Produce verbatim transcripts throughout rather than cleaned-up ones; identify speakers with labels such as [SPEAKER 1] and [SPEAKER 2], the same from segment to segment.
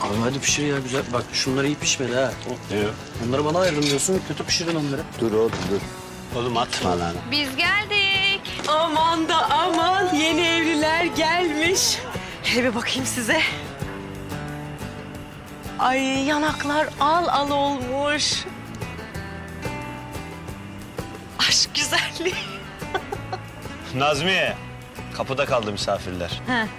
[SPEAKER 1] Abi hadi pişir ya güzel. Bak şunlar iyi pişmedi ha.
[SPEAKER 2] Ne o?
[SPEAKER 1] Onları bana ayırın diyorsun. Kötü pişirin onları.
[SPEAKER 2] Dur oğlum dur. Oğlum atma lan.
[SPEAKER 3] Biz geldik.
[SPEAKER 4] Aman da aman yeni evliler gelmiş. Hele bir bakayım size. Ay yanaklar al al olmuş. Aşk güzelliği.
[SPEAKER 2] Nazmiye. Kapıda kaldı misafirler.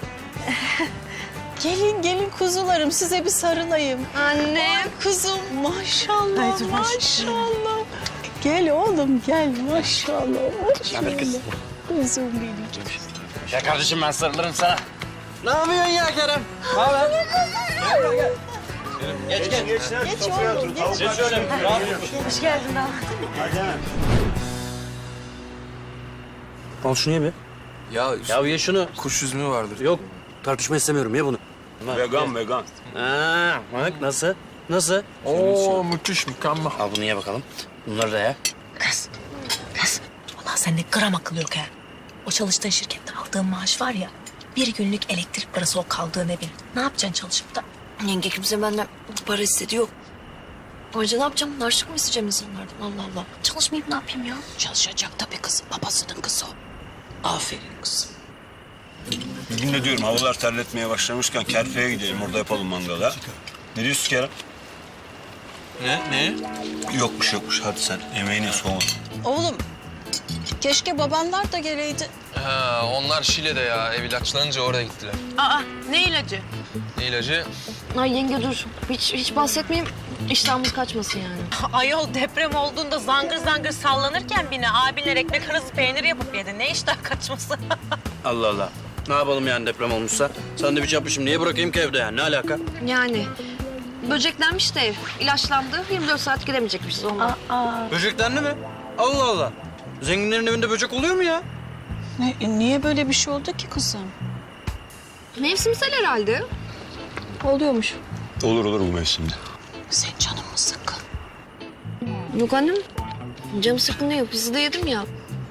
[SPEAKER 5] Gelin gelin kuzularım size bir sarılayım.
[SPEAKER 3] Annem.
[SPEAKER 5] Kuzum maşallah
[SPEAKER 4] Ay, dur,
[SPEAKER 5] maşallah. Gel oğlum gel maşallah maşallah.
[SPEAKER 1] kız.
[SPEAKER 5] Kuzum benim.
[SPEAKER 1] Ya kardeşim ben sarılırım sana. Ne yapıyorsun ya Kerem? Ne haber? Gel gel. Geç geç.
[SPEAKER 2] Geç lan.
[SPEAKER 5] Geç
[SPEAKER 2] Sofraya
[SPEAKER 5] oğlum,
[SPEAKER 2] otur.
[SPEAKER 5] geç.
[SPEAKER 2] Tavuk
[SPEAKER 1] Geç
[SPEAKER 2] var.
[SPEAKER 1] şöyle. Rahat ol.
[SPEAKER 4] Hoş geldin daha.
[SPEAKER 2] Hadi hemen.
[SPEAKER 1] Al şunu ye be.
[SPEAKER 6] Ya,
[SPEAKER 1] Ya ye şunu.
[SPEAKER 6] kuş üzümü vardır.
[SPEAKER 1] Yok tartışma istemiyorum ye bunu.
[SPEAKER 2] Vegan vegan.
[SPEAKER 1] Ha, bak nasıl? Nasıl?
[SPEAKER 6] Oo müthiş, mükemmel.
[SPEAKER 1] Al bunu ye bakalım. Bunları da ye.
[SPEAKER 5] Kız, kız. Ulan sende gram akıl yok ha. O çalıştığın şirkette aldığın maaş var ya... ...bir günlük elektrik parası o kaldığın evin. Ne yapacaksın çalışıp da?
[SPEAKER 7] Yenge kimse benden para istedi yok. Ayrıca ne yapacağım? Harçlık mı isteyeceğim insanlardan? Allah Allah. Çalışmayıp ne yapayım ya?
[SPEAKER 5] Çalışacak tabii kızım. Babasının kızı o. Aferin kızım.
[SPEAKER 2] Bugün de diyorum havalar terletmeye başlamışken Kerpe'ye gidelim. Orada yapalım mangalı ha. Ne diyorsun Kerem?
[SPEAKER 6] Ne? Ne?
[SPEAKER 2] Yokmuş yokmuş. Hadi sen emeğine soğun.
[SPEAKER 5] Oğlum keşke babanlar da geleydi.
[SPEAKER 6] Ha, onlar Şile'de ya. Ev ilaçlanınca oraya gittiler.
[SPEAKER 4] Aa ne ilacı?
[SPEAKER 6] Ne ilacı?
[SPEAKER 7] Ay yenge dur. Hiç, hiç bahsetmeyeyim. İştahımız kaçmasın yani.
[SPEAKER 4] Ayol deprem olduğunda zangır zangır sallanırken bine abinler ekmek arası peynir yapıp yedi. Ne iştah kaçması?
[SPEAKER 1] Allah Allah. Ne yapalım yani deprem olmuşsa? Sandviç yapmışım. Niye bırakayım ki evde yani? Ne alaka?
[SPEAKER 7] Yani böceklenmiş de ev. İlaçlandı. yirmi dört saat gidemeyecekmişiz ondan.
[SPEAKER 1] Böceklendi mi? Allah Allah. Zenginlerin evinde böcek oluyor mu ya?
[SPEAKER 5] Ne, e, niye böyle bir şey oldu ki kızım?
[SPEAKER 7] Mevsimsel herhalde. Oluyormuş.
[SPEAKER 2] Olur olur bu mevsimde.
[SPEAKER 5] Sen canın mı sıkkın?
[SPEAKER 7] Yok annem. Canım sıkkın değil. Pizza da yedim ya.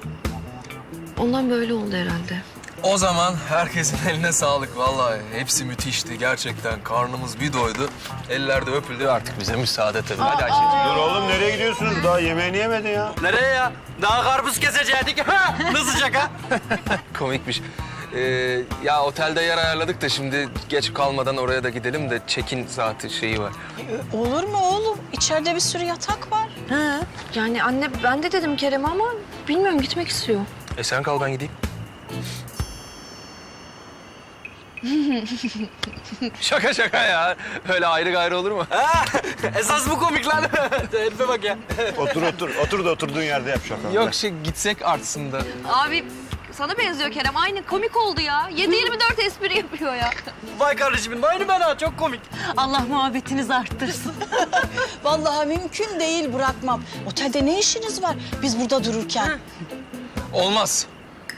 [SPEAKER 7] Ondan böyle oldu herhalde.
[SPEAKER 6] O zaman herkesin eline sağlık vallahi. Hepsi müthişti gerçekten. Karnımız bir doydu. Eller de öpüldü artık bize müsaade tabii. Hadi Ayşe'ciğim.
[SPEAKER 2] Dur oğlum nereye gidiyorsunuz? Daha yemeğini yemedin ya.
[SPEAKER 1] Nereye ya? Daha karpuz kesecektik. Ha! Nasıl şaka?
[SPEAKER 6] Komikmiş. Ee, ya otelde yer ayarladık da şimdi geç kalmadan oraya da gidelim de check-in saati şeyi var.
[SPEAKER 5] E, olur mu oğlum? İçeride bir sürü yatak var.
[SPEAKER 4] Ha.
[SPEAKER 7] Yani anne ben de dedim Kerem'e ama bilmiyorum gitmek istiyor.
[SPEAKER 6] E sen kal ben gideyim. Şaka şaka ya. Öyle ayrı gayrı olur mu?
[SPEAKER 1] Ha! Esas bu komik lan. Herife bak ya.
[SPEAKER 2] Otur otur. Otur da oturduğun yerde yap şaka.
[SPEAKER 6] Yok şey gitsek artsın da.
[SPEAKER 7] Abi sana benziyor Kerem. Aynı komik oldu ya. yedi yirmi dört espri yapıyor ya.
[SPEAKER 1] Vay kardeşimin. Aynı ben ha. Çok komik.
[SPEAKER 4] Allah muhabbetinizi arttırsın.
[SPEAKER 5] Vallahi mümkün değil bırakmam. Otelde ne işiniz var biz burada dururken?
[SPEAKER 6] Olmaz.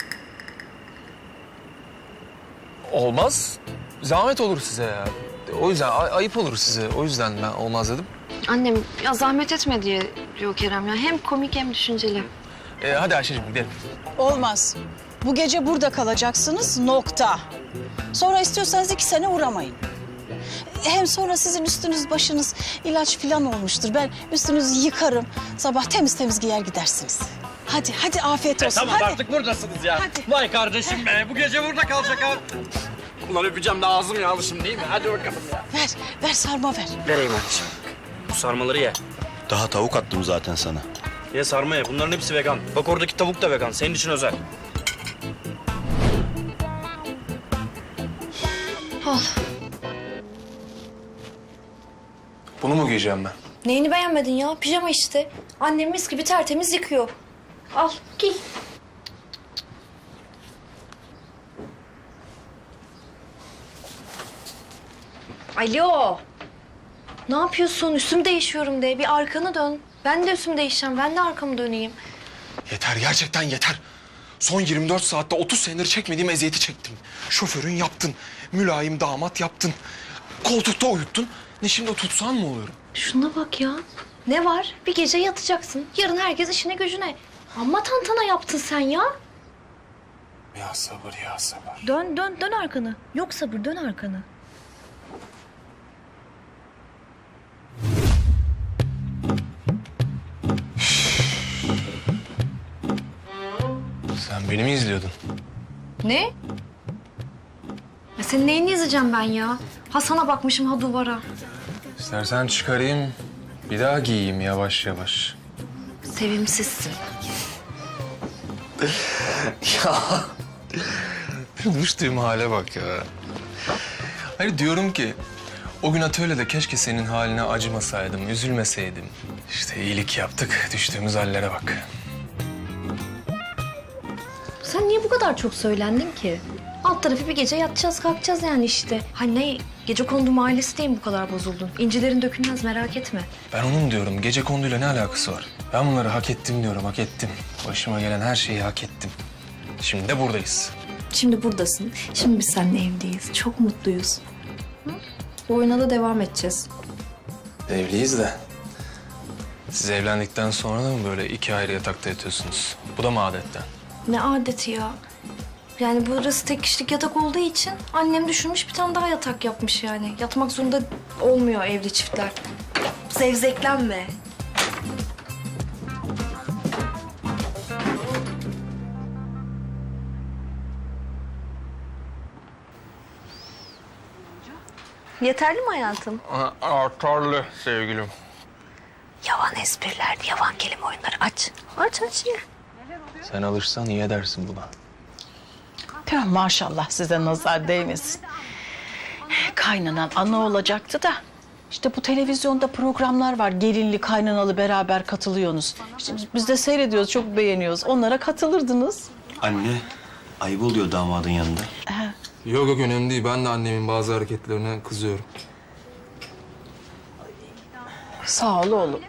[SPEAKER 6] Olmaz. Zahmet olur size ya. O yüzden ay- ayıp olur size. O yüzden ben olmaz dedim.
[SPEAKER 7] Annem ya zahmet etme diye diyor Kerem ya. Hem komik hem düşünceli.
[SPEAKER 6] Ee, hadi Ayşe'cim gidelim.
[SPEAKER 5] Olmaz. Bu gece burada kalacaksınız nokta. Sonra istiyorsanız iki sene uğramayın. Hem sonra sizin üstünüz başınız ilaç falan olmuştur. Ben üstünüzü yıkarım. Sabah temiz temiz giyer gidersiniz. Hadi hadi afiyet olsun.
[SPEAKER 1] Tamam
[SPEAKER 5] hadi.
[SPEAKER 1] artık buradasınız ya.
[SPEAKER 5] Hadi.
[SPEAKER 1] Vay kardeşim be. Bu gece burada kalacak ha. Ulan öpeceğim de ağzım yağlı şimdi değil mi? Hadi bakalım ya.
[SPEAKER 5] Ver ver sarma ver.
[SPEAKER 1] Vereyim anneciğim. Bu sarmaları ye.
[SPEAKER 2] Daha tavuk attım zaten sana.
[SPEAKER 1] Ye sarma ye. Bunların hepsi vegan. Bak oradaki tavuk da vegan. Senin için özel.
[SPEAKER 6] Bunu mu giyeceğim ben?
[SPEAKER 7] Neyini beğenmedin ya? Pijama işte. Annem mis gibi tertemiz yıkıyor. Al giy. Alo. Ne yapıyorsun? Üstümü değişiyorum de. Bir arkanı dön. Ben de üstümü değişeceğim. Ben de arkamı döneyim.
[SPEAKER 6] Yeter gerçekten yeter. Son yirmi dört saatte otuz senedir çekmediğim eziyeti çektim. Şoförün yaptın. Mülayim damat yaptın. Koltukta uyuttun. Ne şimdi o tutsan mı oluyorum?
[SPEAKER 7] Şuna bak ya. Ne var? Bir gece yatacaksın. Yarın herkes işine gücüne. Amma tantana yaptın sen ya.
[SPEAKER 6] Ya sabır ya sabır.
[SPEAKER 7] Dön dön dön arkanı. Yok sabır dön arkanı.
[SPEAKER 6] Beni mi izliyordun?
[SPEAKER 7] Ne? Ya senin neyini izleyeceğim ben ya? Ha sana bakmışım ha duvara.
[SPEAKER 6] İstersen çıkarayım, bir daha giyeyim yavaş yavaş.
[SPEAKER 7] Sevimsizsin.
[SPEAKER 6] Ya düştüğüm hale bak ya. Hayır diyorum ki o gün atölyede keşke senin haline acımasaydım, üzülmeseydim. İşte iyilik yaptık, düştüğümüz hallere bak.
[SPEAKER 7] Sen niye bu kadar çok söylendin ki? Alt tarafı bir gece yatacağız kalkacağız yani işte. Ha ne? Gecekondu mahallesi diye mi bu kadar bozuldun? İncilerin dökülmez merak etme.
[SPEAKER 6] Ben onun diyorum, gecekonduyla ne alakası var? Ben bunları hak ettim diyorum, hak ettim. Başıma gelen her şeyi hak ettim. Şimdi de buradayız.
[SPEAKER 7] Şimdi buradasın. Şimdi biz seninle evliyiz. Çok mutluyuz. Hı? Bu oyuna da devam edeceğiz.
[SPEAKER 6] Evliyiz de. Siz evlendikten sonra da mı böyle iki ayrı yatakta yatıyorsunuz? Bu da mı adetten?
[SPEAKER 7] Ne adeti ya. Yani burası tek kişilik yatak olduğu için annem düşünmüş bir tane daha yatak yapmış yani. Yatmak zorunda olmuyor evli çiftler. Zevzeklenme. Yeterli mi hayatım?
[SPEAKER 6] Artarlı sevgilim.
[SPEAKER 7] Yavan espriler, yavan kelime oyunları aç. Aç aç ya.
[SPEAKER 6] Sen alırsan iyi edersin buna.
[SPEAKER 5] Ya maşallah size nazar değmesin. Kaynanan ana olacaktı da. İşte bu televizyonda programlar var. Gelinli, kaynanalı beraber katılıyorsunuz. İşte biz de seyrediyoruz, çok beğeniyoruz. Onlara katılırdınız.
[SPEAKER 8] Anne, ayıp oluyor damadın yanında.
[SPEAKER 6] Yok yok önemli değil. Ben de annemin bazı hareketlerine kızıyorum.
[SPEAKER 5] Sağ ol oğlum.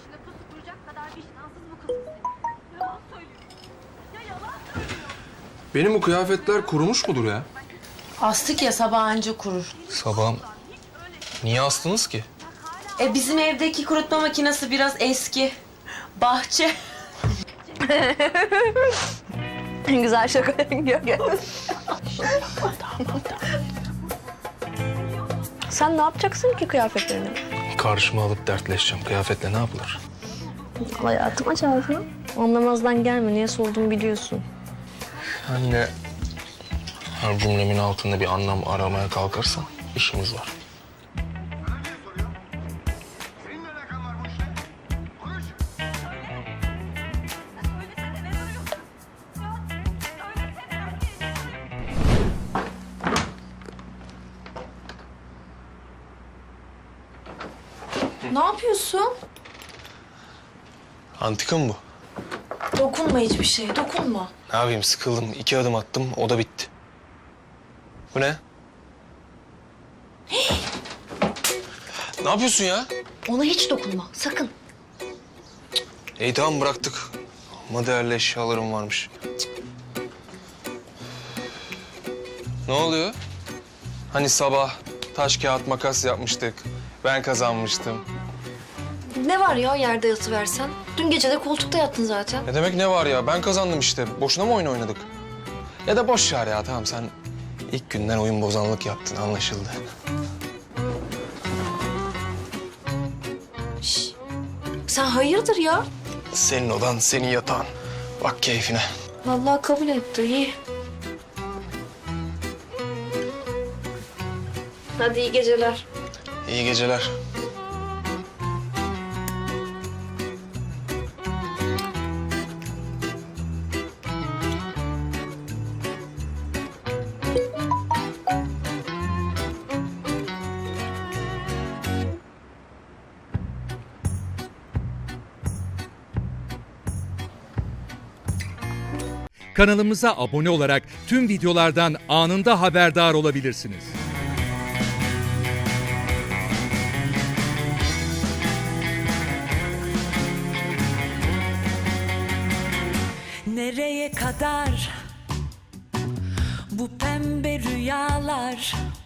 [SPEAKER 6] Benim bu kıyafetler kurumuş mudur ya?
[SPEAKER 4] Astık ya sabah anca kurur.
[SPEAKER 6] Sabahım. Niye astınız ki?
[SPEAKER 4] E bizim evdeki kurutma makinesi biraz eski. Bahçe.
[SPEAKER 7] Güzel şaka. Sen ne yapacaksın ki kıyafetlerini?
[SPEAKER 6] Karşıma alıp dertleşeceğim. Kıyafetle ne yapılır?
[SPEAKER 7] Hayatım aç ağzını. Anlamazdan gelme. Niye sorduğumu biliyorsun.
[SPEAKER 6] Anne, her cümlemin altında bir anlam aramaya kalkarsan işimiz var.
[SPEAKER 7] Ne yapıyorsun?
[SPEAKER 6] Antika mı bu?
[SPEAKER 7] Dokunma hiçbir şeye. Dokunma.
[SPEAKER 6] Ne yapayım sıkıldım. İki adım attım o da bitti. Bu ne? Ne yapıyorsun ya?
[SPEAKER 7] Ona hiç dokunma. Sakın.
[SPEAKER 6] İyi tamam bıraktık. Ama değerli eşyalarım varmış. Ne oluyor? Hani sabah taş kağıt makas yapmıştık. Ben kazanmıştım.
[SPEAKER 7] Ne var ya yerde yatıversen? Dün gece de koltukta yattın zaten.
[SPEAKER 6] Ne demek ne var ya? Ben kazandım işte. Boşuna mı oyun oynadık? Ya da boş ver ya tamam sen ilk günden oyun bozanlık yaptın anlaşıldı.
[SPEAKER 7] Şş. Sen hayırdır ya?
[SPEAKER 6] Senin odan, senin yatağın. Bak keyfine.
[SPEAKER 7] Vallahi kabul etti. İyi. Hadi iyi geceler.
[SPEAKER 6] İyi geceler.
[SPEAKER 9] Kanalımıza abone olarak tüm videolardan anında haberdar olabilirsiniz.
[SPEAKER 10] Nereye kadar bu pembe rüyalar?